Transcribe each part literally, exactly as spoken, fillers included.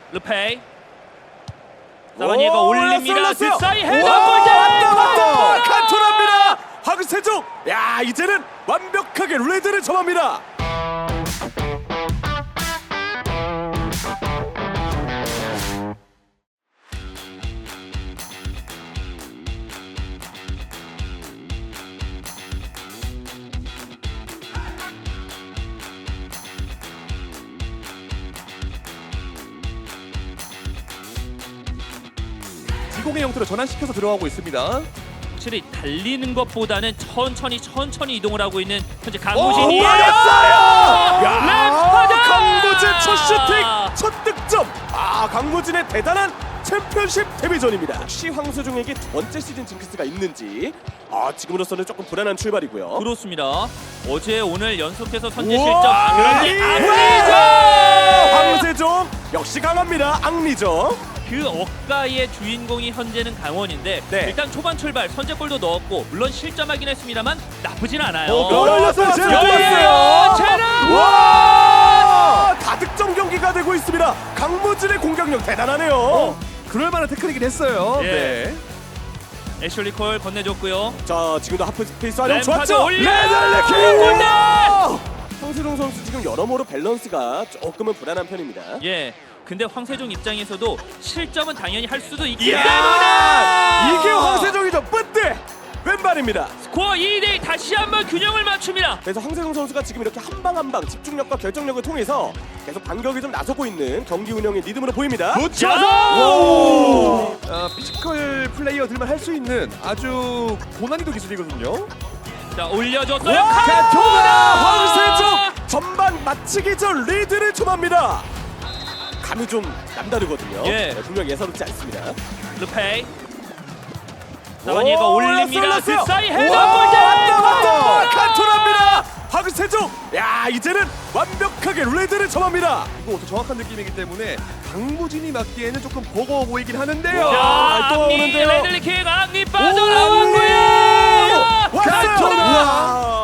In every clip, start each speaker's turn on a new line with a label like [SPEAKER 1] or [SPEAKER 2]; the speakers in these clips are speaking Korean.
[SPEAKER 1] 르페이. 사바니에가 올립니다. 그 사이 헤더 골!
[SPEAKER 2] 왔다 왔다 칸토라입니다. 황세종. 야 이제는 완벽하게 레드를 점합니다.
[SPEAKER 3] 지공의 형태로 전환시켜서 들어가고 있습니다.
[SPEAKER 1] 확실히 달리는 것보다는 천천히 천천히 이동을 하고 있는 현재
[SPEAKER 3] 오,
[SPEAKER 1] 강무진이에요.
[SPEAKER 2] 맞았어요! 야,
[SPEAKER 1] 램파드!
[SPEAKER 2] 강무진 첫 슈팅, 첫 득점. 아, 강무진의 대단한 챔피언십 데뷔전입니다. 혹시 황세종에게 두 번째 시즌 징크스가 있는지 아, 지금으로서는 조금 불안한 출발이고요.
[SPEAKER 1] 그렇습니다. 어제 오늘 연속해서 선제
[SPEAKER 2] 우와!
[SPEAKER 1] 실점. 아, 그런데
[SPEAKER 2] 예!
[SPEAKER 1] 악리죠!
[SPEAKER 2] 황세종 역시 강합니다. 앙리죠.
[SPEAKER 1] 그 억가의 주인공이 현재는 강원인데
[SPEAKER 2] 네.
[SPEAKER 1] 일단 초반 출발 선제골도 넣었고 물론 실점하긴 했습니다만 나쁘진 않아요.
[SPEAKER 2] 어, 열렸어요. 제라
[SPEAKER 1] 열려요.
[SPEAKER 2] 들어왔어요.
[SPEAKER 1] 제라!
[SPEAKER 2] 와! 다득점 경기가 되고 있습니다. 강무진의 공격력 대단하네요.
[SPEAKER 3] 어, 그럴 만한 테크닉이 됐어요.
[SPEAKER 1] 예.
[SPEAKER 3] 네.
[SPEAKER 1] 애슐리 콜 건네줬고요.
[SPEAKER 2] 자, 지금도 하프 스페이스 활용
[SPEAKER 1] 램파드
[SPEAKER 2] 좋았죠?
[SPEAKER 1] 올려요.
[SPEAKER 2] 골대! 황세종 선수 지금 여러모로 밸런스가 조금은 불안한 편입니다.
[SPEAKER 1] 예. 근데 황세종 입장에서도 실점은 당연히 할 수도 있기
[SPEAKER 2] 이야!
[SPEAKER 1] 때문에
[SPEAKER 2] 이게 황세종이죠. 뿌뜨! 왼발입니다.
[SPEAKER 1] 스코어 이 대 일 다시 한번 균형을 맞춥니다.
[SPEAKER 2] 그래서 황세종 선수가 지금 이렇게 한 방 한 방 집중력과 결정력을 통해서 계속 반격이 좀 나서고 있는 경기 운영의 리듬으로 보입니다.
[SPEAKER 3] 붙여서 어, 피지컬 플레이어들만 할 수 있는 아주 고난이도 기술이거든요.
[SPEAKER 1] 자 올려줬어요.
[SPEAKER 2] 와!
[SPEAKER 1] 칸토나!
[SPEAKER 2] 황세종 전반 마치기 전 리드를 점합니다. 감이 좀 남다르거든요.
[SPEAKER 1] 예.
[SPEAKER 2] 네, 분명 예사롭지 않습니다.
[SPEAKER 1] 르페이. 사바니에가
[SPEAKER 2] 오,
[SPEAKER 1] 올립니다.
[SPEAKER 2] 올랐어요.
[SPEAKER 1] 그 사이 헤더
[SPEAKER 2] 와,
[SPEAKER 1] 골!
[SPEAKER 2] 왔다 왔다 칸토라입니다. 황세종. 야 이제는 완벽하게 레드를 점합니다.
[SPEAKER 3] 이거 더 정확한 느낌이기 때문에 강무진이 맞기에는 조금 버거워 보이긴 하는데요.
[SPEAKER 2] 와.
[SPEAKER 1] 자,
[SPEAKER 2] 또
[SPEAKER 1] 악리
[SPEAKER 2] 오는데요.
[SPEAKER 1] 레들리킥 악리
[SPEAKER 2] 오,
[SPEAKER 1] 빠져나왔고요.
[SPEAKER 2] 왔어요.
[SPEAKER 3] 칸토나.
[SPEAKER 2] 와.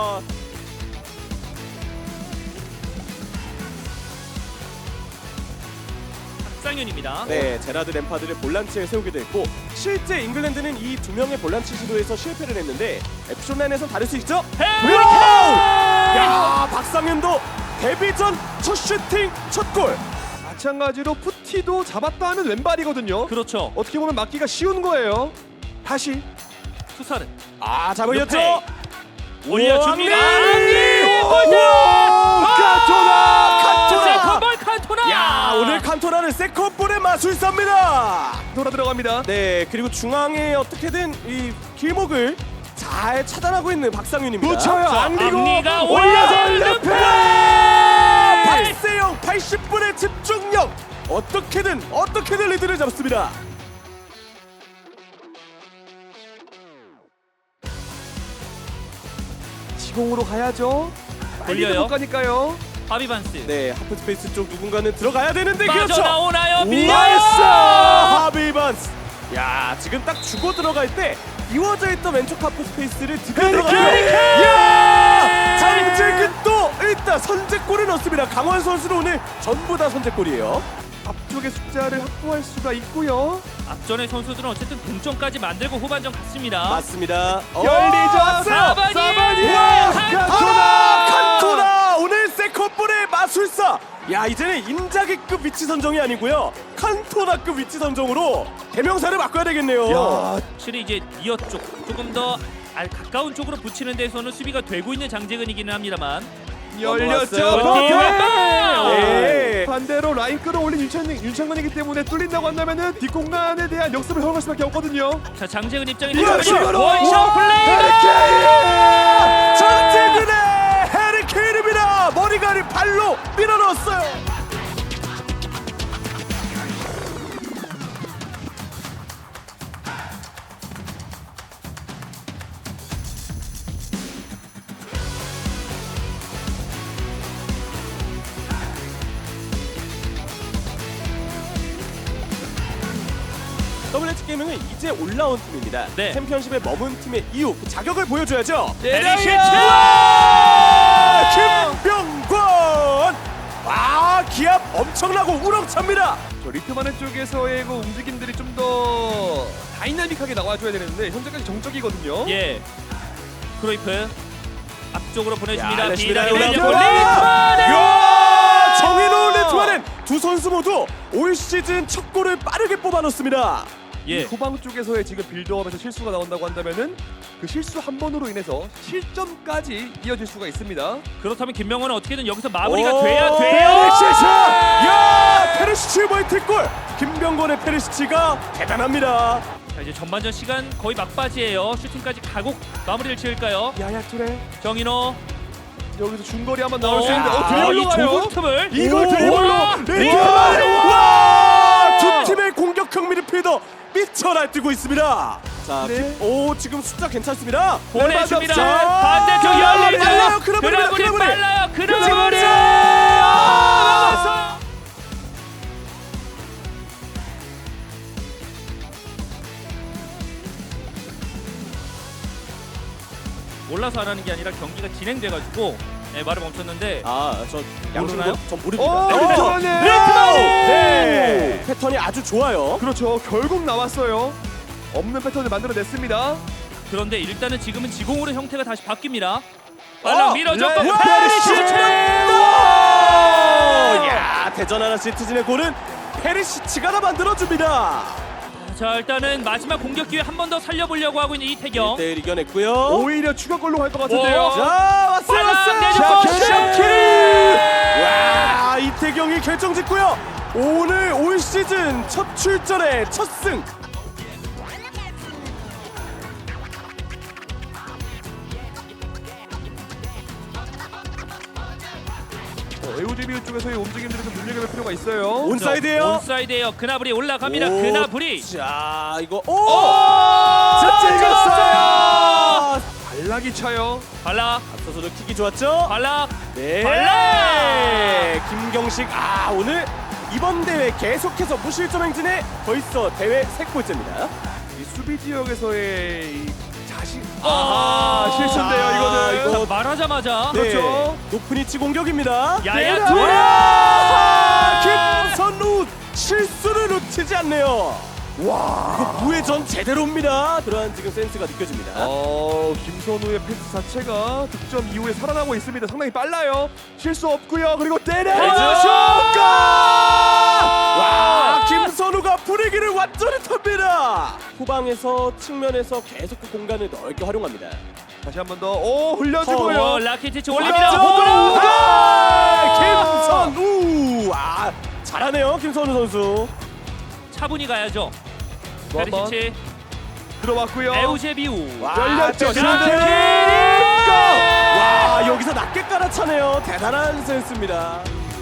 [SPEAKER 1] 박상윤입니다.
[SPEAKER 2] 네, 제라드 램파드를 볼란치에 세우기도 했고 실제 잉글랜드는 이 두 명의 볼란치 시도에서 실패를 했는데 에피존라인에선 다를 수 있죠?
[SPEAKER 1] 헤이!
[SPEAKER 2] 야, 박상윤도 데뷔전 첫 슈팅 첫 골.
[SPEAKER 3] 마찬가지로 푸티도 잡았다 하면 왼발이거든요.
[SPEAKER 1] 그렇죠.
[SPEAKER 3] 어떻게 보면 막기가 쉬운 거예요. 다시
[SPEAKER 1] 수사는
[SPEAKER 2] 아, 잘 올렸죠?
[SPEAKER 1] 르페이. 올려줍니다.
[SPEAKER 2] 악리!
[SPEAKER 1] 악리!
[SPEAKER 2] 와, 칸토나! 칸토나!
[SPEAKER 1] 세컨볼 칸토나!
[SPEAKER 2] 야, 오늘 칸토나는 세컨볼의 마술사입니다.
[SPEAKER 3] 돌아 들어갑니다.
[SPEAKER 2] 네, 그리고 중앙에 어떻게든 이 길목을 잘 차단하고 있는 박상윤입니다.
[SPEAKER 3] 붙여요.
[SPEAKER 1] 자,
[SPEAKER 3] 앙리고
[SPEAKER 1] 앙리가
[SPEAKER 3] 올려서
[SPEAKER 1] 올려!
[SPEAKER 3] 르페.
[SPEAKER 2] 박세영 팔십 분의 집중력. 어떻게든 어떻게든 리드를 잡습니다.
[SPEAKER 3] 지공으로 가야죠.
[SPEAKER 1] 돌려요.
[SPEAKER 3] 못 가니까요.
[SPEAKER 1] 하비반스.
[SPEAKER 2] 네, 하프 스페이스 쪽 누군가는 들어가야 되는데 그렇죠.
[SPEAKER 1] 빠져나오나요? 밀려요!
[SPEAKER 2] 나이스! 하비반스. 야, 지금 딱 주고 들어갈 때 이워져 있던 왼쪽 하프 스페이스를 드디어 들어갔어요. 야! 장재근 또 일단 선제골을 넣습니다. 강원 선수는 오늘 전부 다 선제골이에요.
[SPEAKER 3] 앞쪽의 숫자를 확보할 수가 있고요.
[SPEAKER 1] 앞전의 선수들은 어쨌든 동점까지 만들고 후반전 갔습니다.
[SPEAKER 2] 맞습니다.
[SPEAKER 3] 열리죠.
[SPEAKER 2] 왔어요.
[SPEAKER 1] 사바니!
[SPEAKER 3] 사바니!
[SPEAKER 2] 와,
[SPEAKER 3] 칸토나!
[SPEAKER 2] 칸토나 오늘 세컨볼의 마술사. 야, 이제는 인자기급 위치 선정이 아니고요, 칸토나급 위치 선정으로 대명사를 바꿔야 되겠네요.
[SPEAKER 3] 야,
[SPEAKER 1] 확실히 이제 니어 쪽 조금 더 알- 가까운 쪽으로 붙이는 데서는 수비가 되고 있는 장재근이기는 합니다만
[SPEAKER 3] 열렸죠.
[SPEAKER 2] 넘어갔어요.
[SPEAKER 3] 버텨!
[SPEAKER 2] 네.
[SPEAKER 3] 반대로 라인 끌어올린 윤찬, 윤창근이기 때문에 뚫린다고 한다면은 뒷공간에 대한 역습을 허용할 수밖에 없거든요.
[SPEAKER 1] 자 장재근 입장에
[SPEAKER 2] 이거
[SPEAKER 1] 들어가면
[SPEAKER 2] 이거
[SPEAKER 1] 원샷 플레이!
[SPEAKER 2] 해리케인! 장재근의 해리케인입니다. 머리가리 발로 밀어넣었어요. 더블유에이치 게이밍은 이제 올라온 팀입니다.
[SPEAKER 1] 네.
[SPEAKER 2] 챔피언십에 머문 팀의 이유, 그 자격을 보여줘야죠.
[SPEAKER 1] 페리시치!
[SPEAKER 2] 김병권! 와, 기합 엄청나고 우렁찹니다.
[SPEAKER 3] 그렇죠. 리트마네 쪽에서의 그 움직임들이 좀 더 다이나믹하게 나와줘야 되는데 현재까지 정적이거든요.
[SPEAKER 1] 예. 크로이프 앞쪽으로 보내줍니다.
[SPEAKER 2] 야,
[SPEAKER 1] 비달이
[SPEAKER 2] 레시피가
[SPEAKER 1] 올려고
[SPEAKER 2] 올라왔죠.
[SPEAKER 1] 리트마네.
[SPEAKER 2] 야, 정의로운 리트마넨 두 선수 모두 올 시즌 첫 골을 빠르게 뽑아놓습니다.
[SPEAKER 3] 이
[SPEAKER 1] 예.
[SPEAKER 3] 후방 쪽에서의 지금 빌드업에서 실수가 나온다고 한다면은 그 실수 한 번으로 인해서 실점까지 이어질 수가 있습니다.
[SPEAKER 1] 그렇다면 김명호는 어떻게든 여기서 마무리가
[SPEAKER 2] 오,
[SPEAKER 1] 돼야 돼요.
[SPEAKER 2] 페리시치! 야, 페리시치 멀티골! 김병건의 페리시치가 대단합니다.
[SPEAKER 1] 자, 이제 전반전 시간 거의 막바지예요. 슈팅까지 가고 마무리를 지을까요?
[SPEAKER 3] 야야 투레
[SPEAKER 1] 정인호.
[SPEAKER 3] 여기서 중거리 한번 나올 수 있는데
[SPEAKER 2] 야,
[SPEAKER 3] 어
[SPEAKER 1] 이
[SPEAKER 3] 들어올라가요.
[SPEAKER 1] 좁은 틈을
[SPEAKER 3] 이걸
[SPEAKER 2] 오,
[SPEAKER 3] 드리블로
[SPEAKER 2] 와,
[SPEAKER 3] 리트마네.
[SPEAKER 2] 와! 두 팀의 공격형 미드필더 미쳐 날뛰고 있습니다. 자,
[SPEAKER 3] 네.
[SPEAKER 2] 기- 오 지금 숫자 괜찮습니다.
[SPEAKER 1] 보내줍니다.
[SPEAKER 2] 자,
[SPEAKER 1] 반대쪽 열리죠.
[SPEAKER 2] 빨라요, 그라브리입니다,
[SPEAKER 1] 그라브리
[SPEAKER 2] 그라브리.
[SPEAKER 1] 빨라요. 그라브리.
[SPEAKER 2] 자,
[SPEAKER 1] 막았어요. 올라서 안 하는 게 아니라 경기가 진행돼가지고 네, 말을 멈췄는데
[SPEAKER 2] 아, 저
[SPEAKER 1] 모르나요?
[SPEAKER 2] 양쪽으로 전
[SPEAKER 3] 오,
[SPEAKER 2] 모릅니다.
[SPEAKER 3] 리트마네.
[SPEAKER 1] 리트마네!
[SPEAKER 2] 네. 패턴이 아주 좋아요.
[SPEAKER 3] 그렇죠. 결국 나왔어요. 없는 패턴을 만들어냈습니다.
[SPEAKER 1] 그런데 일단은 지금은 지공으로 형태가 다시 바뀝니다. 빨라
[SPEAKER 2] 어,
[SPEAKER 1] 밀어줬고
[SPEAKER 3] 네.
[SPEAKER 1] 페리시치!
[SPEAKER 2] 야, 대전 하나 시티즌의 골은 페리시치가 다 만들어줍니다.
[SPEAKER 1] 자 일단은 마지막 공격 기회 한 번 더 살려보려고 하고 있는 이태경.
[SPEAKER 2] 일 대 일 이겨냈고요.
[SPEAKER 3] 오히려 추가골로 갈 것 같은데요.
[SPEAKER 1] 오.
[SPEAKER 2] 자, 왔어요,
[SPEAKER 1] 빨라,
[SPEAKER 2] 왔어요.
[SPEAKER 1] 내주고
[SPEAKER 2] 샤키리. 와, 이태경이 결정짓고요. 오늘 올 시즌 첫 출전의 첫 승.
[SPEAKER 3] 어, 에우제비우 쪽에서의 움직임들을 좀 눈여겨볼 필요가 있어요.
[SPEAKER 2] 온사이드예요.
[SPEAKER 1] 온사이드예요. 그나브리 올라갑니다.
[SPEAKER 2] 오,
[SPEAKER 1] 그나브리.
[SPEAKER 2] 자, 이거 오!
[SPEAKER 1] 오!
[SPEAKER 2] 자, 찍었어요.
[SPEAKER 3] 발락이 차요.
[SPEAKER 1] 발락,
[SPEAKER 2] 앞서서도 킥이 좋았죠?
[SPEAKER 1] 발락.
[SPEAKER 2] 네.
[SPEAKER 1] 발락!
[SPEAKER 2] 김경식 아, 오늘 이번 대회 계속해서 무실점 행진에 벌써 대회 세 골째입니다.
[SPEAKER 3] 이 수비 지역에서의 이 자신.
[SPEAKER 1] 아,
[SPEAKER 3] 아, 실수인데요,
[SPEAKER 2] 자,
[SPEAKER 3] 이거는.
[SPEAKER 2] 이거-
[SPEAKER 1] 자, 말하자마자
[SPEAKER 2] 네,
[SPEAKER 3] 그렇죠.
[SPEAKER 2] 높은 위치 공격입니다.
[SPEAKER 1] 야야
[SPEAKER 2] 네.
[SPEAKER 1] 투레.
[SPEAKER 2] 와! 김선우 실수를 놓치지 않네요. 와, 이거 무회전 제대로입니다. 그러한 지금 센스가 느껴집니다.
[SPEAKER 3] 어, 김선우의 패스 자체가 득점 이후에 살아나고 있습니다. 상당히 빨라요. 실수 없고요. 그리고 때려야죠.
[SPEAKER 2] 헤드! 와, 김선우가 분위기를 완전히 탑니다. 후방에서 측면에서 계속 그 공간을 넓게 활용합니다.
[SPEAKER 3] 다시 한 번 더. 오,
[SPEAKER 1] 오,
[SPEAKER 3] 흘려주고요.
[SPEAKER 1] 라키티치
[SPEAKER 2] 자,
[SPEAKER 1] 올립니다.
[SPEAKER 2] 호동!
[SPEAKER 3] 아!
[SPEAKER 2] 김선우! 아, 잘하네요, 김선우 선수.
[SPEAKER 1] 차분히 가야죠.
[SPEAKER 3] 또 한 번.
[SPEAKER 1] 페리시치,
[SPEAKER 3] 들어왔고요.
[SPEAKER 1] 에우제비우.
[SPEAKER 2] 와,
[SPEAKER 3] 열렸죠.
[SPEAKER 2] 자,
[SPEAKER 3] 슈팅!
[SPEAKER 2] 와, 여기서 낮게 깔아차네요. 대단한 센스입니다.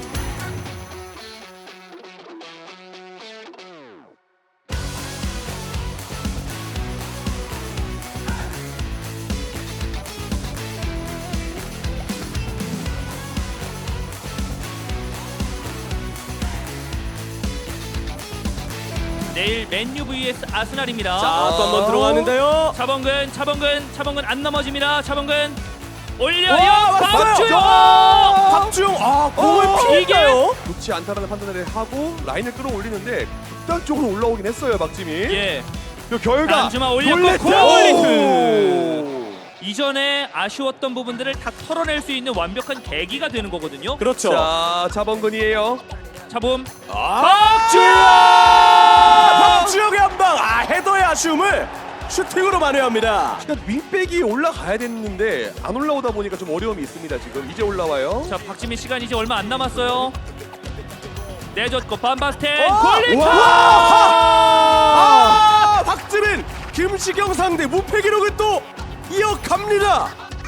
[SPEAKER 1] 내일 맨유 vs 아스날입니다.
[SPEAKER 2] 자, 또 한 번 들어가는데요.
[SPEAKER 1] 차범근, 차범근, 차범근 안 넘어집니다. 차범근 올려요.
[SPEAKER 2] 와, 왔어요.
[SPEAKER 1] 박주영.
[SPEAKER 2] 박주영, 아, 공을
[SPEAKER 3] 어,
[SPEAKER 2] 피해가요.
[SPEAKER 3] 좋지 않다라는 판단을 하고 라인을 끌어올리는데 극단적으로 올라오긴 했어요, 박지미.
[SPEAKER 1] 예.
[SPEAKER 3] 그 결과
[SPEAKER 1] 단주마 올렸고
[SPEAKER 3] 놀랬죠?
[SPEAKER 1] 골리트. 이전에 아쉬웠던 부분들을 다 털어낼 수 있는 완벽한 계기가 되는 거거든요.
[SPEAKER 2] 그렇죠.
[SPEAKER 3] 자, 자범근이에요.
[SPEAKER 1] 차범.
[SPEAKER 2] 박주영! 박주영의 한 방. 아, 헤더의 아쉬움을 슈팅으로 만회합니다.
[SPEAKER 3] 그러니까 윙백이 올라가야 됐는데 안 올라오다 보니까 좀 어려움이 있습니다. 지금 이제 올라와요.
[SPEAKER 1] 자, 박지민 시간이 이제 얼마 안 남았어요. 내줬고 반바스텐
[SPEAKER 2] 어!
[SPEAKER 1] 골리트.
[SPEAKER 2] 와! 아, 박지민, 김시경 상대 무패 기록을 또 이어갑니다.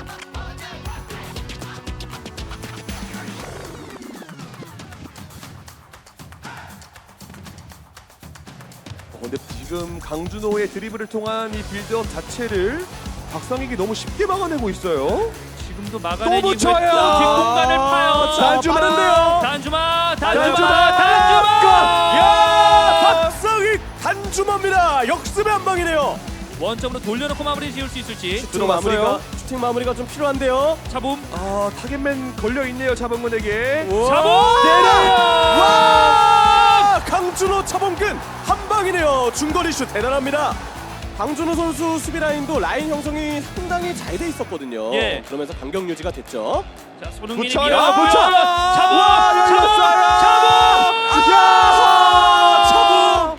[SPEAKER 3] 어, 근데 지금 강준호의 드리블을 통한 이 빌드업 자체를 박상익이 너무 쉽게 막아내고 있어요.
[SPEAKER 1] 지금도 막아낸
[SPEAKER 3] 또
[SPEAKER 1] 이후에
[SPEAKER 3] 붙여요.
[SPEAKER 1] 또 뒷공간을 파요.
[SPEAKER 2] 자,
[SPEAKER 3] 단주마.
[SPEAKER 2] 빠른데요.
[SPEAKER 1] 단주마, 단주마,
[SPEAKER 3] 단주마.
[SPEAKER 1] 단주마.
[SPEAKER 2] 야, 박상익 단주마입니다. 역습의 한 방이네요.
[SPEAKER 1] 원점으로 돌려놓고 마무리 지을 수 있을지.
[SPEAKER 2] 슈팅
[SPEAKER 3] 들어갔어요.
[SPEAKER 2] 마무리가 슈팅 마무리가 좀 필요한데요.
[SPEAKER 1] 차범.
[SPEAKER 3] 아, 타겟맨 걸려 있네요, 자범근에게.
[SPEAKER 2] 우와.
[SPEAKER 1] 차범.
[SPEAKER 2] 때려! 와! 강준호 차범근 한 방이네요. 중거리 슛 대단합니다. 강준호 선수 수비 라인도 라인 형성이 상당히 잘 돼 있었거든요.
[SPEAKER 1] 예.
[SPEAKER 2] 그러면서 간격 유지가 됐죠.
[SPEAKER 1] 자, 손흥민이
[SPEAKER 3] 붙여요,
[SPEAKER 1] 밀어넣고요.
[SPEAKER 3] 붙여요.
[SPEAKER 1] 차범!
[SPEAKER 3] 와,
[SPEAKER 1] 차범!
[SPEAKER 3] 열렸어요.
[SPEAKER 1] 차범!
[SPEAKER 2] 야! 차범!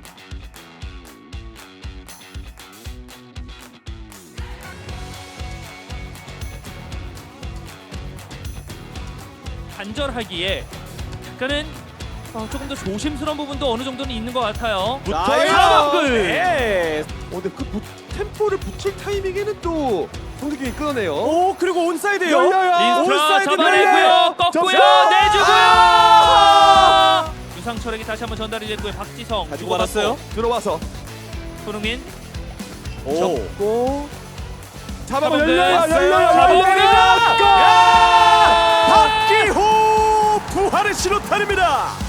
[SPEAKER 1] 간절하기에 약간은 어, 조금 더 조심스러운 부분도 어느 정도는 있는 것 같아요.
[SPEAKER 3] 붙어요.
[SPEAKER 1] 차범근!
[SPEAKER 2] 네.
[SPEAKER 3] 어, 근데 그 부, 템포를 붙일 타이밍에는 또 송재균이 끊어내요.
[SPEAKER 2] 오 그리고 온사이드요.
[SPEAKER 3] 열려요.
[SPEAKER 1] 린스트라
[SPEAKER 2] 온사이드
[SPEAKER 1] 잡아내고요. 꺾고요.
[SPEAKER 3] 접수!
[SPEAKER 1] 내주고요.
[SPEAKER 2] 아!
[SPEAKER 1] 유상철에게 다시 한번 전달이 됐고요. 박지성
[SPEAKER 2] 가지고
[SPEAKER 1] 주고받고
[SPEAKER 2] 말았어요.
[SPEAKER 3] 들어와서
[SPEAKER 1] 손흥민
[SPEAKER 2] 오.
[SPEAKER 3] 접고 잡아
[SPEAKER 1] 차범근.
[SPEAKER 3] 열려요. 열려요.
[SPEAKER 1] 차범근.
[SPEAKER 3] 열려요.
[SPEAKER 2] 박기호 부활의 신호탄입니다.